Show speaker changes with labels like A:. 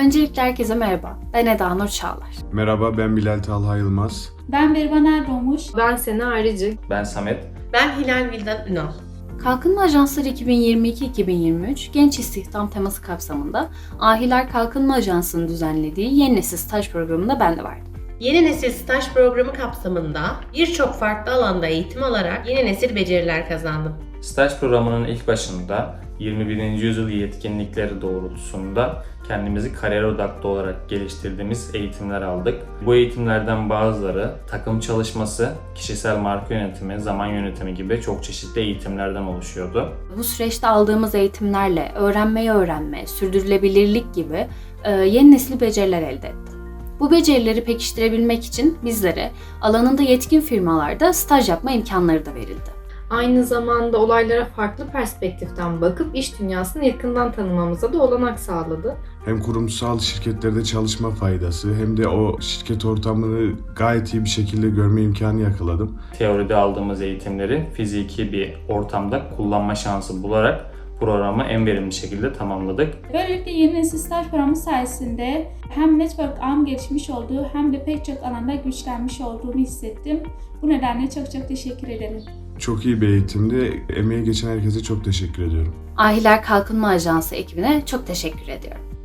A: Öncelikle herkese merhaba. Ben Eda Nur Çağlar.
B: Merhaba, ben Bilal Talha Yılmaz.
C: Ben Berivan Erdoğmuş.
D: Ben Sena Arıcı.
E: Ben Samet.
F: Ben Hilal Vildan Ünal.
A: Kalkınma Ajansları 2022-2023 Genç İstihdam teması kapsamında Ahiler Kalkınma Ajansı'nın düzenlediği Yeni Nesil Staj programında ben de vardım.
F: Yeni Nesil Staj Programı kapsamında birçok farklı alanda eğitim alarak yeni nesil beceriler kazandım.
E: Staj programının ilk başında 21. yüzyıl yetkinlikleri doğrultusunda kendimizi kariyer odaklı olarak geliştirdiğimiz eğitimler aldık. Bu eğitimlerden bazıları takım çalışması, kişisel marka yönetimi, zaman yönetimi gibi çok çeşitli eğitimlerden oluşuyordu.
A: Bu süreçte aldığımız eğitimlerle öğrenmeyi öğrenme, sürdürülebilirlik gibi yeni nesil beceriler elde ettik. Bu becerileri pekiştirebilmek için bizlere alanında yetkin firmalarda staj yapma imkanları da verildi.
D: Aynı zamanda olaylara farklı perspektiften bakıp iş dünyasını yakından tanımamıza da olanak sağladı.
B: Hem kurumsal şirketlerde çalışma faydası hem de o şirket ortamını gayet iyi bir şekilde görme imkanı yakaladım.
E: Teoride aldığımız eğitimleri fiziki bir ortamda kullanma şansı bularak programı en verimli şekilde tamamladık.
C: Böylelikle Yeni Nesil Staj Programı sayesinde hem network ağım gelişmiş olduğu hem de pek çok alanda güçlenmiş olduğumu hissettim. Bu nedenle çok teşekkür ederim.
B: Çok iyi bir eğitimdi. Emeği geçen herkese çok teşekkür ediyorum.
A: Ahiler Kalkınma Ajansı ekibine çok teşekkür ediyorum.